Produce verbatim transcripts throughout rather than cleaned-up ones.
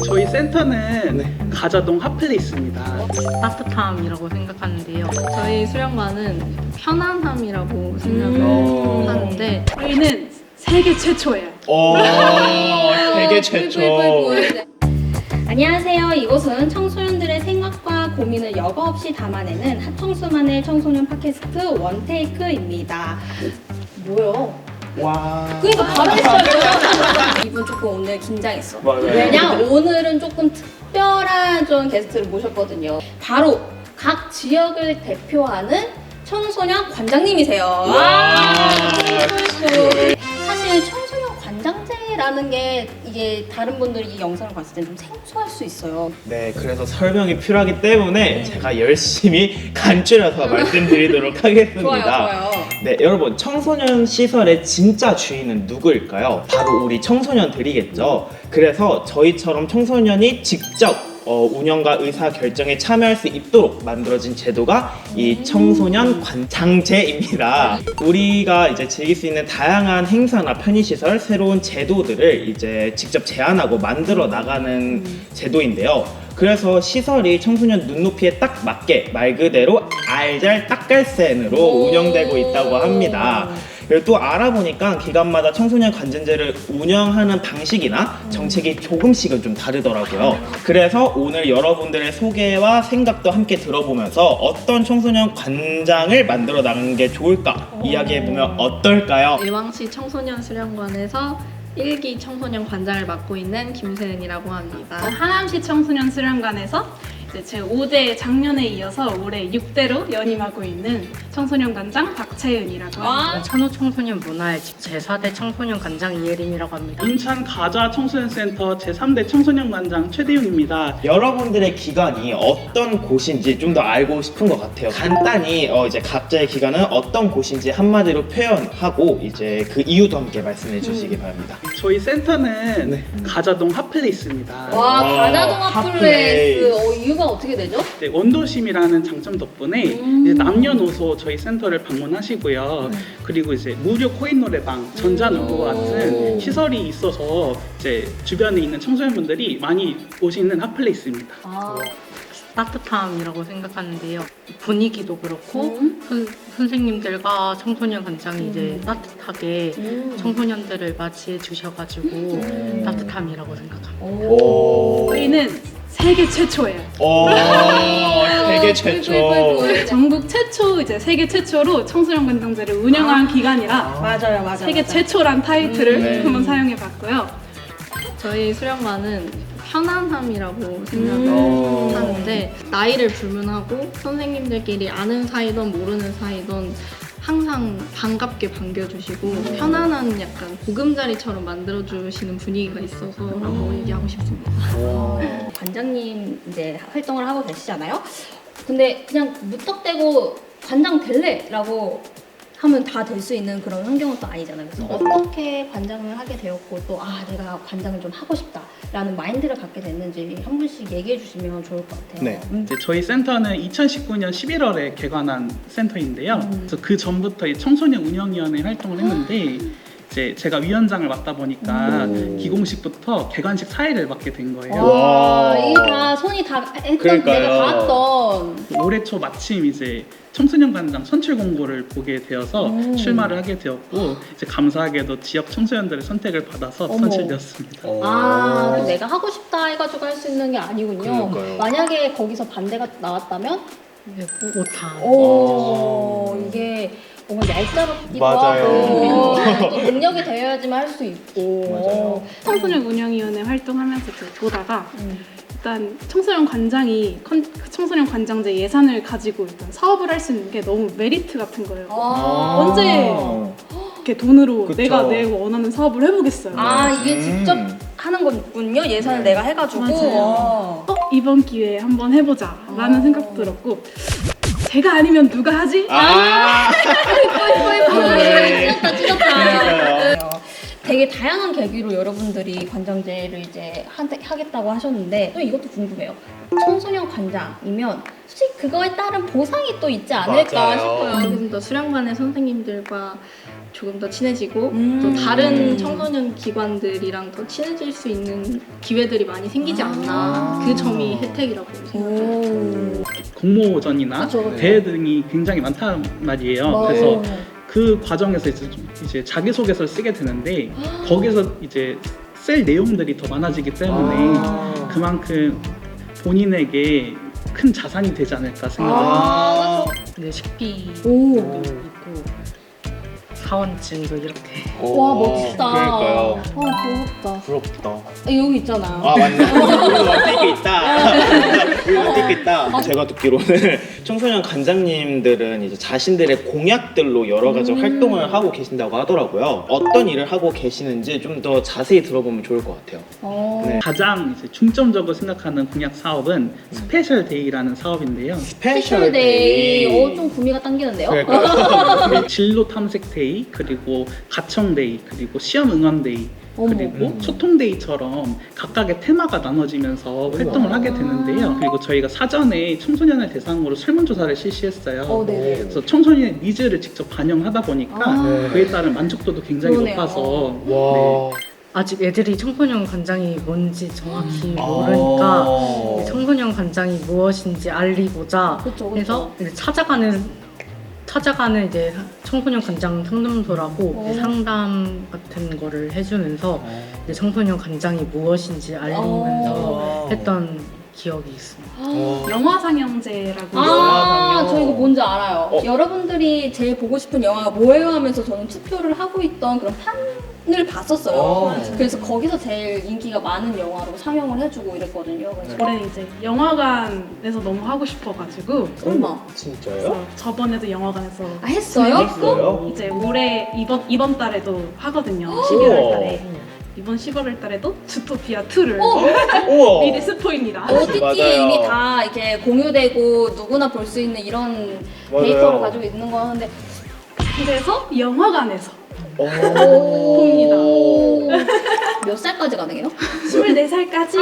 저희 센터는 네. 가자동 핫플레이스입니다. 따뜻함이라고 생각하는데요. 저희 수련관은 편안함이라고 생각을 음. 하는데 저희는 세계 최초예요. 오, 세계 최초. 안녕하세요. 이곳은 청소년들의 생각과 고민을 여과 없이 담아내는 핫청수만의 청소년 팟캐스트 원테이크입니다. 뭐요? 와. 그러니까 바로 시작이요. 이분 조금 오늘 긴장했어. 맞아요. 왜냐? 오늘은 조금 특별한 좀 게스트를 모셨거든요. 바로 각 지역을 대표하는 청소년 관장님이세요. 와. 사실 청소년 관장제라는 게 이게 다른 분들이 이 영상을 봤을 때 좀 생소할 수 있어요. 네, 그래서 설명이 필요하기 때문에 제가 열심히 간추려서 말씀드리도록 하겠습니다. 좋아요, 좋아요. 네, 여러분, 청소년 시설의 진짜 주인은 누구일까요? 바로 우리 청소년들이겠죠. 그래서 저희처럼 청소년이 직접 어, 운영과 의사 결정에 참여할 수 있도록 만들어진 제도가 이 청소년 관장제입니다. 우리가 이제 즐길 수 있는 다양한 행사나 편의시설, 새로운 제도들을 이제 직접 제안하고 만들어 나가는 제도인데요. 그래서 시설이 청소년 눈높이에 딱 맞게 말 그대로 알잘딱갈센으로 운영되고 있다고 합니다. 그리고 또 알아보니까 기관마다 청소년 관장제를 운영하는 방식이나 정책이 조금씩은 좀 다르더라고요. 그래서 오늘 여러분들의 소개와 생각도 함께 들어보면서 어떤 청소년 관장을 만들어 나가는 게 좋을까 이야기해보면 어떨까요? 일왕시 청소년 수련관에서 일 기 청소년 관장을 맡고 있는 김세은이라고 합니다. 하남시 청소년 수련관에서 이제 제 오 대 작년에 이어서 올해 육 대로 연임하고 있는 청소년 관장 박채은이라고 합니다. 천호 청소년 문화일집 제사 대 청소년 관장 이예림이라고 합니다. 인천 가자 청소년센터 제삼 대 청소년 관장 최대용입니다. 여러분들의 기관이 어떤 곳인지 좀 더 알고 싶은 것 같아요. 간단히 어 이제 각자의 기관은 어떤 곳인지 한마디로 표현하고 이제 그 이유도 함께 말씀해 주시기 바랍니다. 저희 센터는 네. 가자동 핫플레이스입니다. 와, 와, 가자동 핫플레이스. 핫플레이스. 어, 이유가 어떻게 되죠? 네, 원도심이라는 장점 덕분에 음. 이제 남녀노소 저희 센터를 방문하시고요. 음. 그리고 이제 무료 코인 노래방, 전자노트와 같은 오. 시설이 있어서 이제 주변에 있는 청소년분들이 많이 오시는 핫플레이스입니다. 아, 따뜻함이라고 생각하는데요. 분위기도 그렇고 음. 선, 선생님들과 청소년 관장이 이제 따뜻하게 음. 청소년들을 맞이해 주셔가지고 음. 따뜻함이라고 생각합니다. 오. 저희는 세계 최초예요. 오, 세계 최초. 전국 최초, 이제 세계 최초로 청소년 관장제를 운영한 기관이라 맞아요, 맞아요. 세계 맞아요. 최초란 타이틀을 음, 네. 한번 사용해봤고요. 저희 수련관은 편안함이라고 생각을 음. 하는데 나이를 불문하고 선생님들끼리 아는 사이든 모르는 사이든 항상 반갑게 반겨주시고 편안한 약간 보금자리처럼 만들어주시는 분위기가 있어서라고 얘기하고 싶습니다. 어, 관장님 이제 활동을 하고 계시잖아요. 근데 그냥 무턱대고 관장 될래라고 하면 다 될 수 있는 그런 환경은 또 아니잖아요. 그래서 어떻게 관장을 하게 되었고 또 아 내가 관장을 좀 하고 싶다라는 마인드를 갖게 됐는지 한 분씩 얘기해 주시면 좋을 것 같아요. 네. 음. 이제 저희 센터는 이천십구 년 십일월에 개관한 센터인데요. 음. 그래서 그 전부터 이 청소년 운영위원회 활동을 했는데 이제 제가 위원장을 맡다 보니까 오. 기공식부터 개관식 사회를 맡게 된 거예요. 와, 와. 이게 다 손이 다 했던 그러니까요. 내가 봤던. 올해 초 마침 이제 청소년 관장 선출 공고를 보게 되어서 음. 출마를 하게 되었고 이제 감사하게도 지역 청소년들의 선택을 받아서 어머. 선출되었습니다. 아, 그럼 내가 하고 싶다 해가지고 할 수 있는 게 아니군요. 그러니까요. 만약에 거기서 반대가 나왔다면, 이게 뭐 오타. 오, 이게 뭔가 얄짤없기도 맞아요. 하고 또 능력이 되어야지만 할 수 있고. 맞아요. 청소년 운영위원회 활동하면서 이제 보다가 음. 일단 청소년 관장이 컨, 청소년 관장제 예산을 가지고 일단 사업을 할 수 있는 게 너무 메리트 같은 거예요. 아. 언제 이렇게 돈으로 그쵸. 내가 내 원하는 사업을 해보겠어요. 아, 이게 음. 직접 하는 거군요. 예산을 네. 내가 해가지고. 맞아요. 어. 어, 이번 기회에 한번 해보자 라는 어. 생각 들었고 제가 아니면 누가 하지? 아. 네. 찢었다, 찢었다. 그러니까요. 되게 다양한 계기로 여러분들이 관장제를 이제 하, 하겠다고 하셨는데 또 이것도 궁금해요. 청소년 관장이면 솔직히 그거에 따른 보상이 또 있지 않을까 맞아요. 싶어요. 조금 더 수련관의 선생님들과 조금 더 친해지고 음. 또 다른 청소년 기관들이랑 더 친해질 수 있는 기회들이 많이 생기지 않나 그 점이 혜택이라고 생각해요. 공모전이나 그쵸, 그쵸. 대회 등이 굉장히 많단 말이에요. 어. 그래서 그 과정에서 이제, 좀 이제 자기소개서를 쓰게 되는데 거기서 이제 쓸 내용들이 더 많아지기 때문에 아. 그만큼 본인에게 큰 자산이 되지 않을까 생각합니다. 아. 근데 식비도 오. 있고 사원증도 이렇게 와 멋지다. 그러니까요. 와 부럽다. 부럽다. 아, 여기 있잖아요. 아 맞네. 우리 원테이크 있다. 우리 원테이크 있다. 제가 듣기로는 청소년 관장님들은 이제 자신들의 공약들로 여러 가지 음. 활동을 하고 계신다고 하더라고요. 어떤 일을 하고 계시는지 좀 더 자세히 들어보면 좋을 것 같아요. 어. 네. 가장 이제 중점적으로 생각하는 공약 사업은 스페셜 데이라는 사업인데요. 스페셜 데이. 어, 좀 구미가 당기는데요? 그러니까 진로 탐색 데이, 그리고 가청 데이, 그리고 시험 응원 데이, 어머. 그리고 음. 소통 데이처럼 각각의 테마가 나눠지면서 활동을 하게 되는데요. 그리고 저희가 사전에 청소년을 대상으로 설문조사를 실시했어요. 어, 네네. 그래서 청소년의 니즈를 직접 반영하다 보니까 아. 그에 따른 만족도도 굉장히 그러네요. 높아서 와. 아직 애들이 청소년 관장이 뭔지 정확히 아. 모르니까 이제 청소년 관장이 무엇인지 알리고자 그쵸, 그쵸. 해서 이제 찾아가는 찾아가는 이제 청소년 관장 상담소라고 이제 어. 상담 같은 거를 해주면서 이제 청소년 관장이 무엇인지 알리면서 어. 했던 기억이 있습니다. 어. 영화 상영제라고 아, 영화관이요. 저 이거 뭔지 알아요. 어. 여러분들이 제일 보고 싶은 영화가 뭐예요 하면서 저는 투표를 하고 있던 그런 판을 봤었어요. 어. 그래서 거기서 제일 인기가 많은 영화로 상영을 해주고 이랬거든요. 그래서 올해 이제 영화관에서 너무 하고 싶어가지고 설마. 진짜요? 그래서 저번에도 영화관에서 아, 했어요? 했어요? 이제 올해 이번 이번 달에도 하거든요. 십일월 달에 이번 십일월 달에도 주토피아 투를 우와. 미리 스포입니다. 오티티에 맞아요. 이미 다 이렇게 공유되고 누구나 볼 수 있는 이런 맞아요. 데이터를 가지고 있는 거 하는데 그래서 영화관에서 오. 봅니다. 몇 살까지 가능해요? 스물네 살까지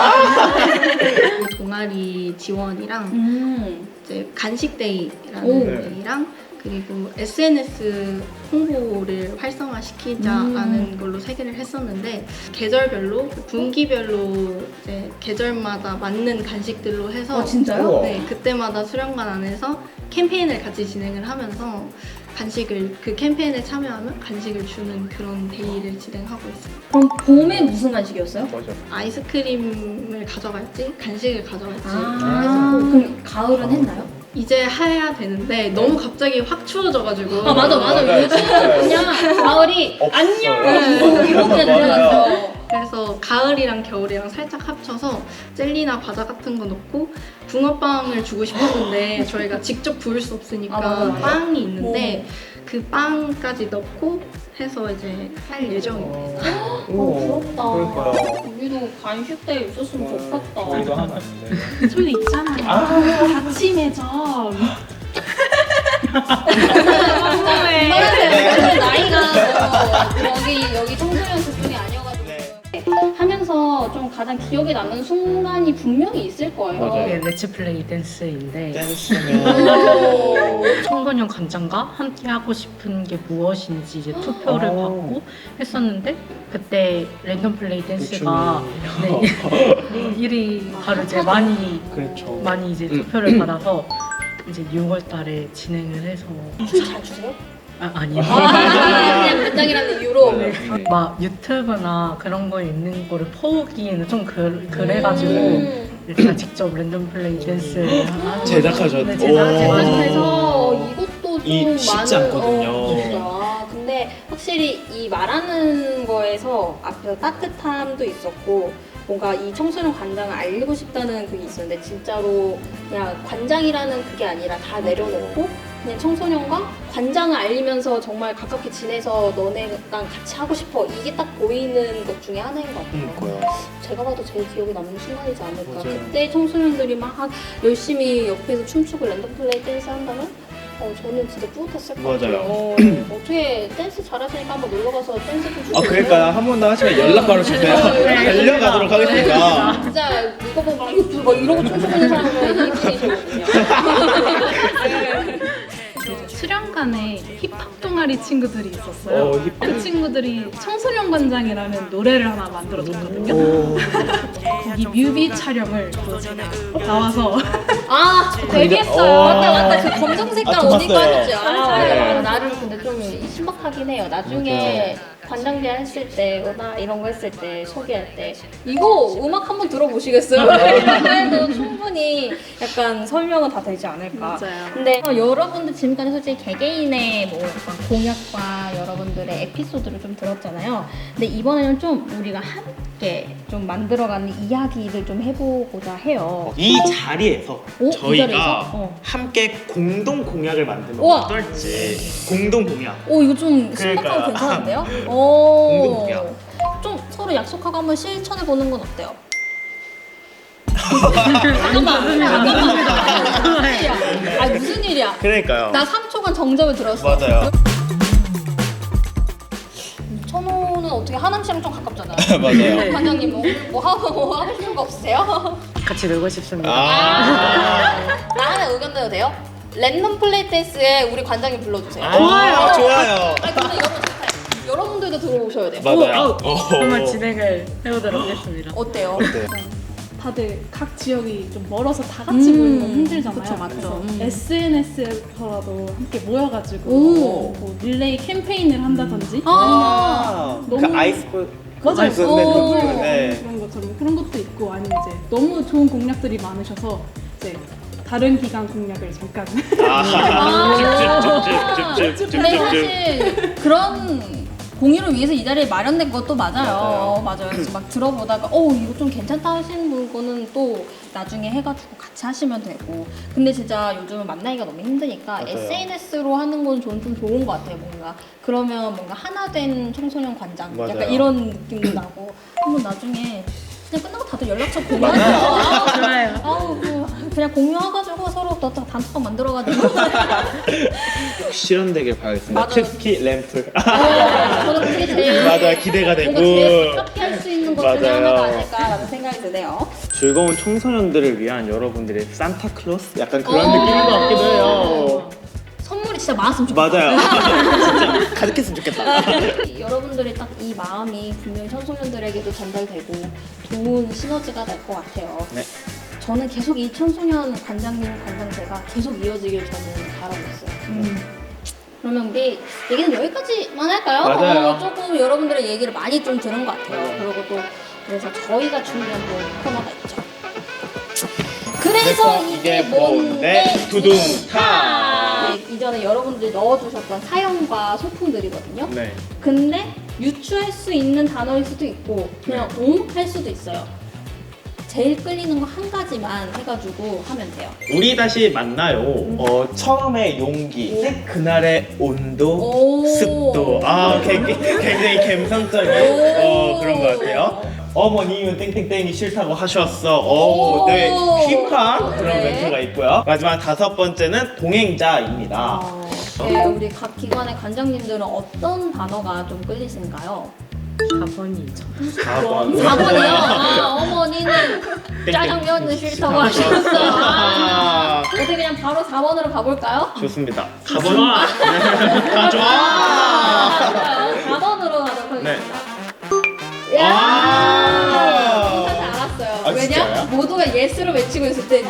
동아리 지원이랑 음. 이제 간식 데이라는 오. 데이랑 그리고 에스엔에스 홍보를 활성화시키자라는 걸로 세 개를 했었는데 계절별로 분기별로 이제 계절마다 맞는 간식들로 해서 아, 진짜요? 우와. 네, 그때마다 수련관 안에서 캠페인을 같이 진행을 하면서 간식을 그 캠페인에 참여하면 간식을 주는 그런 데이를 진행하고 있습니다. 그럼 봄에 무슨 간식이었어요? 맞아. 아이스크림을 가져갈지 간식을 가져갈지 아, 그럼 가을은 했나요? 이제 해야 되는데 너무 갑자기 확 추워져가지고 아 맞아 맞아 맞아요. 요즘 그냥 가을이 안녕 없어요. 이렇게 맞아요. 들어갔어. 그래서 가을이랑 겨울이랑 살짝 합쳐서 젤리나 과자 같은 거 넣고 붕어빵을 주고 싶었는데 저희가 직접 구울 수 없으니까 아, 맞아, 맞아. 빵이 있는데 그 빵까지 넣고 해서 이제 할 예정입니다. 어 부럽다. 그러니까요. 우리도 간식 때 있었으면 좋겠다. 저희도 하나 있는데. 저희 있잖아요. 아침 매점. 네. 네. 나이가 뭐 여기 여기 청소년 그쪽이 아니어가지고 네. 하면서 좀 가장 기억에 남는 순간이 분명히 있을 거예요. 맞아요. 이게 렛츠플레이 댄스인데 댄스면. 청소년 관장과 함께 하고 싶은 게 무엇인지 이제 투표를 어. 받고 했었는데 그때 랜덤 플레이 댄스가 네, 일 위 바로 이제 많이 그렇죠. 많이 이제 음. 투표를 받아서 이제 유월 달에 진행을 해서 춤 잘 추세요? 아, 아니요. 아, 그냥 간장이라는 이유로. 네. 막 유튜브나 그런 거에 있는 거를 퍼오기에는 좀 그, 그래가지고 음. 제가 직접 랜덤 플레이 댄스를 하- 제작하셨- 네, 오. 제작해서 이것도 좀 이 쉽지 많은 않거든요. 어, 진짜. 근데 확실히 이 말하는 거에서 앞에서 따뜻함도 있었고 뭔가 이 청소년 관장을 알리고 싶다는 그게 있었는데 진짜로 그냥 관장이라는 그게 아니라 다 내려놓고 그냥 청소년과 관장을 알리면서 정말 가깝게 지내서 너네랑 같이 하고 싶어 이게 딱 보이는 것 중에 하나인 것 같아요. 그러니까요. 제가 봐도 제일 기억에 남는 순간이지 않을까. 맞아요. 그때 청소년들이 막 열심히 옆에서 춤추고 랜덤 플레이 댄스 한다면 어, 저는 진짜 뿌듯했을 것 맞아요. 같아요. 어, 어떻게 댄스 잘하시니까 한번 놀러가서 댄스 좀 추세요. 아 그러니까 한 번 더 하시면 연락 바로 주세요. 달려가도록 하겠습니다. 진짜 이거 보고 막 이거 막 이러고 춤추고 있는 사람은 이분이시거든요. 수련관 수련관에 힙합 동아리 친구들이 있었어요. 어, 힙합. 그 친구들이 청소년 관장이라는 노래를 하나 만들어줬거든요. 오. 거기 뮤비 촬영을 또 제가 나와서 아, 데뷔했어요. 어. 맞다 맞다. 그 검정 색깔 아, 옷 입고 봤어요. 하셨죠. 아, 네. 나를 근데 좀 신박하긴 해요. 나중에 관장제 했을 때, 음악 이런 거 했을 때 소개할 때 이거 음악 한번 들어보시겠어요? 이런 해도 충분히 약간 설명은 다 되지 않을까. 맞아요. 근데 어, 여러분들 지금까지 솔직히 개개인의 뭐 약간 공약과 여러분들의 에피소드를 좀 들었잖아요. 근데 이번에는 좀 우리가 함께 좀 만들어가는 이야기를 좀 해보고자 해요. 이 자리에서 오, 이 저희가 자리에서? 어. 함께 공동 공약을 만들면 우와. 어떨지. 공동 공약. 오 이거 좀 신박하고 그러니까요. 괜찮은데요? 오. 공동 공약. 좀 서로 약속하고 한번 실천해 보는 건 어때요? 잠깐만, 잠깐만. 무슨 일이야? 아 무슨 일이야? 그러니까요. 나 삼 초간 정답을 들었어. 맞아요. 천호는 어떻게 하남 씨랑 좀 가깝잖아요. 맞아요. 관장님 뭐, 뭐 하고 뭐 하시는 거 없으세요? 같이 놀고 싶습니다. 아. 나 하나 의견 내도 돼요? 랜덤 플레이 댄스에 우리 관장님 불러주세요. 아, 좋아요. 아니 근데 여러분 여러분들도 들어오셔야 돼요. 맞아요. 한번 진행을 해보도록 하겠습니다. 어때요? 네. 다들 각 지역이 좀 멀어서 다 같이 음, 모이는 건 힘들잖아요. 그쵸, 맞죠. 그래서 음. 에스엔에스에서라도 함께 모여가지고 오. 뭐 릴레이 캠페인을 한다든지 아. 그 너무- 아이스볼. 맞아요. 아이스 네, 오. 네, 네. 그런 것처럼 그런 것도 있고 아니면 이제 너무 좋은 공약들이 많으셔서 이제 다른 기관 공약을 잠깐 아. 찝찝찝찝찝찝찝. 근데 사실 그런 공유를 위해서 이 자리에 마련된 것도 맞아요. 맞아요. 그래서 막 들어보다가 어 이거 좀 괜찮다 하시는 분은 또 나중에 해가지고 같이 하시면 되고. 근데 진짜 요즘은 만나기가 너무 힘드니까 맞아요. 에스엔에스로 하는 건 저는 좀 좋은 것 같아요. 뭔가 그러면 뭔가 하나 된 청소년 관장 맞아요. 약간 이런 느낌도 나고 한번 나중에 그냥 끝나고 다들 연락처 맞아요. 공유하죠. 좋아요. 아우 그 그냥 공유해가지고 서로 또 단톡방 만들어가지고. 실현되길 바라겠습니다. 맞아요. 특히 램플. 어, 저는 그게 제일 맞아, 기대가 되고. 뭔가 제일 가깝게 할 수 있는 것 중에 맞아요. 하나가 아닐까라는 생각이 드네요. 즐거운 청소년들을 위한 여러분들의 산타클로스? 약간 그런 오. 느낌인 것 같기도 해요. 선물이 진짜 많았으면 좋겠다. 맞아요. 진짜 가득했으면 좋겠다. 여러분들이 딱 이 마음이 분명히 청소년들에게도 전달되고 좋은 시너지가 될 것 같아요. 네. 저는 계속 이 청소년 관장님 관장제가 계속 이어지길 저는 바라고 있어요. 음. 그러면 우리 얘기는 여기까지만 할까요? 맞아요. 어, 조금 여러분들의 얘기를 많이 좀 들은 것 같아요. 그리고 또 그래서 저희가 준비한 또 코너가 있죠. 그래서 이게 뭔데? 두둥타. 네, 이전에 여러분들이 넣어주셨던 사연과 소품들이거든요. 네. 근데 유추할 수 있는 단어일 수도 있고 그냥 옹 할 수도 있어요. 제일 끌리는 거 한 가지만 해가지고 하면 돼요. 우리 다시 만나요. 어, 처음의 용기, 그날의 온도, 오. 습도. 아, 굉장히, 굉장히 감성적인 어, 그런 것 같아요. 어머님은 땡땡땡이 싫다고 하셨어. 오, 오. 네, 힙한 그런 네. 멘트가 있고요. 마지막 다섯 번째는 동행자입니다. 어, 네, 우리 각 기관의 관장님들은 어떤 단어가 좀 끌리신가요? 사 번이죠. 사 번. 사 번이요? 아, 어머니는 짜장면은 싫다고 하셨어. 아, 어떻게 그냥 바로 사 번으로 가볼까요? 좋습니다. 사 번. 아, 좋아. 사 번으로 가도록 하겠습니다. 네. 야! 아. 이거 사실 알았어요. 아, 왜냐? 진짜요? 모두가 예스를 외치고 있을 때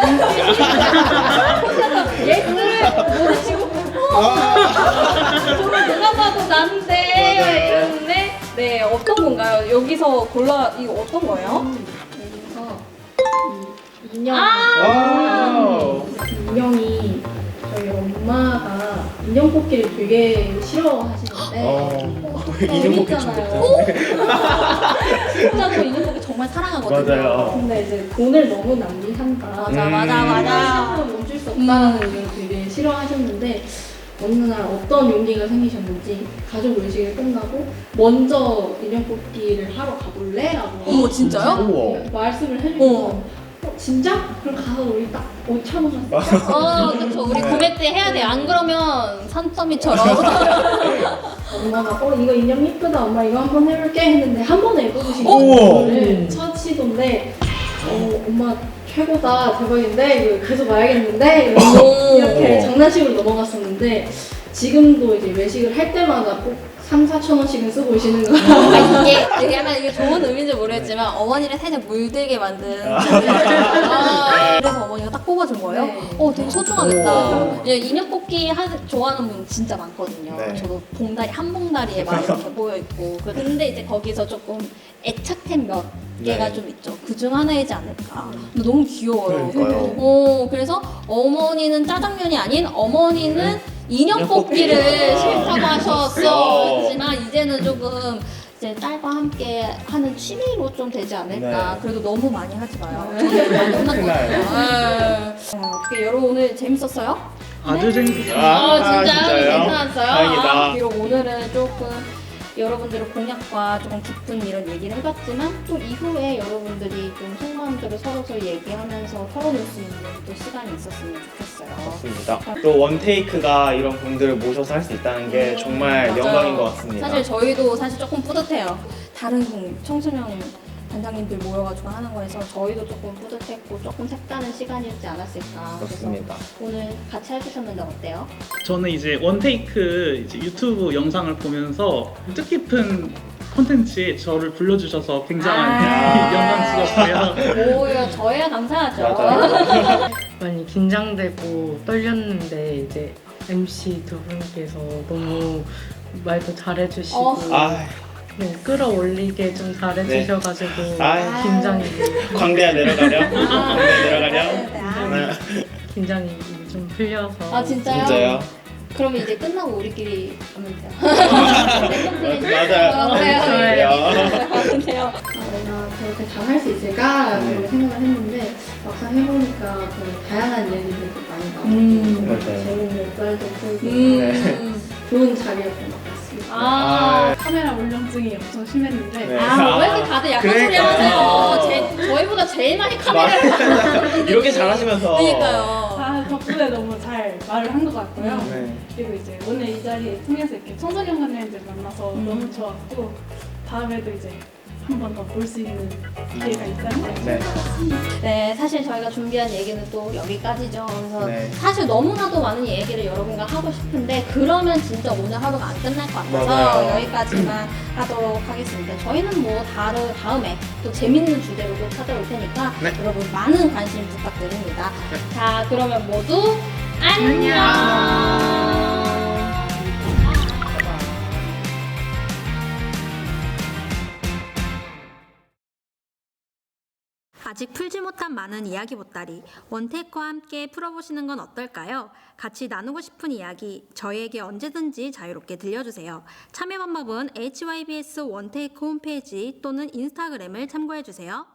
혼자서 예스를 모르시고 저는 누가 봐도 난데 맞아요. 이러는데 네 어떤 건가요? 여기서 골라 이거 어떤 거예요? 여기서 이 인형 와우. 인형이 저희 엄마가 인형 뽑기를 되게 싫어하시는데 어, 이름 먹기 재밌잖아요. 좋겠다. 진짜 저 인형 뽑기 정말 사랑하거든요. 맞아요. 근데 이제 돈을 너무 낭비한다. 맞아 음. 맞아 맞아. 시작하면 멈출 수 없다는 음. 의견을 되게 싫어하셨는데 어느 날 어떤 용기가 생기셨는지 가족 외식이 끝나고 먼저 인형 뽑기를 하러 가볼래? 라고 어머 진짜요? 우와. 말씀을 해주셔서 어. 어, 진짜? 그럼 가서 우리 딱 오천 원 샀어. 어 그쵸 우리 구매 때 해야 돼. 안 그러면 산더미처럼. 엄마가 어 이거 인형 예쁘다 엄마 이거 한번 해볼게 했는데 한 번에 해보신 우와. 거를 첫 시도인데 어 엄마 최고다 대박인데 이거 계속 봐야겠는데 이러면서 오. 이렇게 장난식으로 넘어갔었는데 지금도 이제 외식을 할 때마다 꼭 삼, 사천 원씩은 쓰고 오시는 거. 아, 이게 되게 약간 이게 좋은 의미인지 모르겠지만 어머니를 살짝 물들게 만든 아, 그래서 어머니가 딱 뽑아준 거예요? 네. 어 되게 소중하겠다. 오. 예, 인형 뽑기 하, 좋아하는 분 진짜 많거든요. 네. 저도 봉다리 한 봉다리에 막 이렇게 모여 있고 근데 이제 거기서 조금 애착템 몇 개가 네. 좀 있죠. 그 중 하나이지 않을까. 근데 너무 귀여워요. 그러니까요. 어, 그래서 어머니는 짜장면이 아닌 어머니는 인형 인형 뽑기를 뽑기를. 싫다고 어. 하셨었지만 이제는 조금 이제 딸과 함께 하는 취미로 좀 되지 않을까. 네. 그래도 너무 많이 하지 마요. 저는 많이 혼났거든요. 네. 어떻게 여러분 오늘 재밌었어요? 아주 재밌었어요. 아, 어, 진짜요? 진짜요? 괜찮았어요? 다행이다. 아, 비록 오늘은 조금 여러분들의 공약과 조금 깊은 이런 얘기를 해봤지만 또 이후에 여러분들이 좀 속마음들을 서로서로 얘기하면서 털어낼 수 있는 또 시간이 있었으면 좋겠어요. 맞습니다. 또 원테이크가 이런 분들을 모셔서 할 수 있다는 게 정말 맞아요. 영광인 것 같습니다. 사실 저희도 사실 조금 뿌듯해요. 다른 청소년 단장님들 모여가지고 하는 거에서 저희도 조금 뿌듯했고 조금 색다른 시간이었지 않았을까. 그렇습니다. 그래서 오늘 같이 해주셨는데 어때요? 저는 이제 원테이크 이제 유튜브 영상을 보면서 뜻깊은 콘텐츠에 저를 불러주셔서 굉장한 아. 영광스럽고요. 오히려 저희야 감사하죠. 맞아요. 많이 긴장되고 떨렸는데 이제 엠씨 두 분께서 너무 말도 잘해주시고 어. 아, 네, 끌어올리게 좀 잘해주셔가지고 아이. 긴장이 광대야 내려가렴. 광대 내려가렴. 네, 아. 네. 긴장이 좀 풀려서 아 진짜요? 진짜요? 그러면 이제 끝나고 우리끼리 하면 돼요. 랜덤 플레이. 맞아요. 어, 그래요. 좋아요. 아, 근데요. 아, 내가 저렇게 잘할 수 있을까라고 네. 생각을 했는데 막상 해보니까 더 다양한 이야기들이 많이 나오고 음. 맞아요. 재밌는 역할도 풀고 음. 좋은 자리였던 것 같습니다. 아. 카메라 울렁증이 엄청 심했는데 네. 아, 왜 이렇게 다들 약간 소리 그러니까. 하세요? 제, 저희보다 제일 많이 카메라를 맞아요. 이렇게 잘하시면서. 그러니까요. 아, 덕분에 너무 잘 말을 한 것 같고요. 네. 그리고 이제 오늘 이 자리에 통해서 이렇게 청소년 관장님들 만나서 음. 너무 좋았고 다음에도 이제 한 번 더 볼 수 있는 기회가 있다면 네. 네, 사실 저희가 준비한 얘기는 또 여기까지죠. 그래서 네. 사실 너무나도 많은 얘기를 여러분과 하고 싶은데 그러면 진짜 오늘 하루가 안 끝날 것 같아서 맞아요. 여기까지만 하도록 하겠습니다. 저희는 뭐 다른 다음에 또 재밌는 주제로 또 찾아올 테니까 네. 여러분 많은 관심 부탁드립니다. 자, 그러면 모두 안녕. 아직 풀지 못한 많은 이야기 보따리 원테이크와 함께 풀어보시는 건 어떨까요? 같이 나누고 싶은 이야기 저희에게 언제든지 자유롭게 들려주세요. 참여 방법은 에이치와이비에스 원테이크 홈페이지 또는 인스타그램을 참고해주세요.